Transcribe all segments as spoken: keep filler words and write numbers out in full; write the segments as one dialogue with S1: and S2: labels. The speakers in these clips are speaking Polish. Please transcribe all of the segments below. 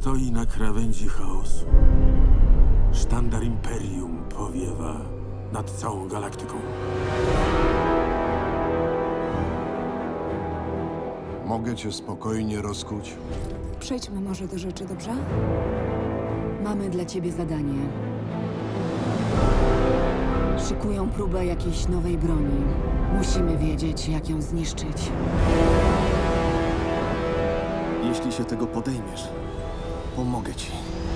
S1: stoi na krawędzi chaosu. Sztandar Imperium powiewa nad całą galaktyką.
S2: Mogę cię spokojnie rozkuć?
S3: Przejdźmy może do rzeczy, dobrze? Mamy dla ciebie zadanie. Szykują próbę jakiejś nowej broni. Musimy wiedzieć, jak ją zniszczyć.
S4: Jeśli się tego podejmiesz, pomogę ci.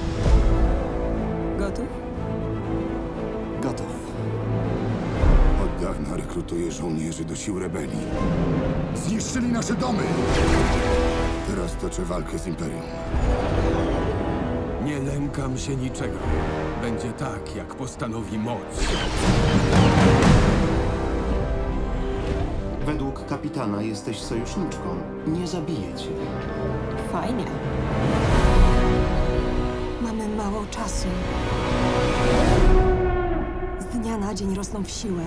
S3: Gotów?
S4: Gotów.
S5: Od dawna rekrutuję żołnierzy do sił rebelii. Zniszczyli nasze domy! Teraz toczę walkę z Imperium.
S6: Nie lękam się niczego. Będzie tak, jak postanowi moc.
S7: Według kapitana jesteś sojuszniczką. Nie zabiję cię.
S3: Fajnie. Mamy mało czasu. Z dnia na dzień rosną w siłę.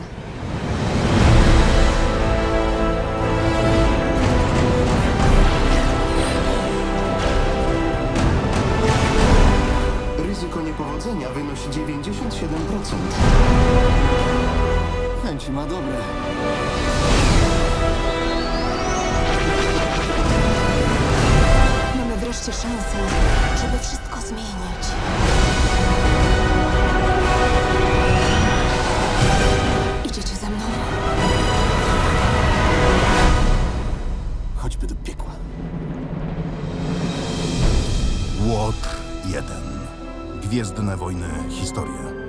S7: Ryzyko niepowodzenia wynosi dziewięćdziesiąt siedem procent.
S4: Chęci ma dobre.
S3: Mamy wreszcie szansę, żeby wszystko zmienić. Idziecie ze mną?
S4: Chodźmy do piekła.
S8: Łotr jeden. Gwiezdne wojny. Historie.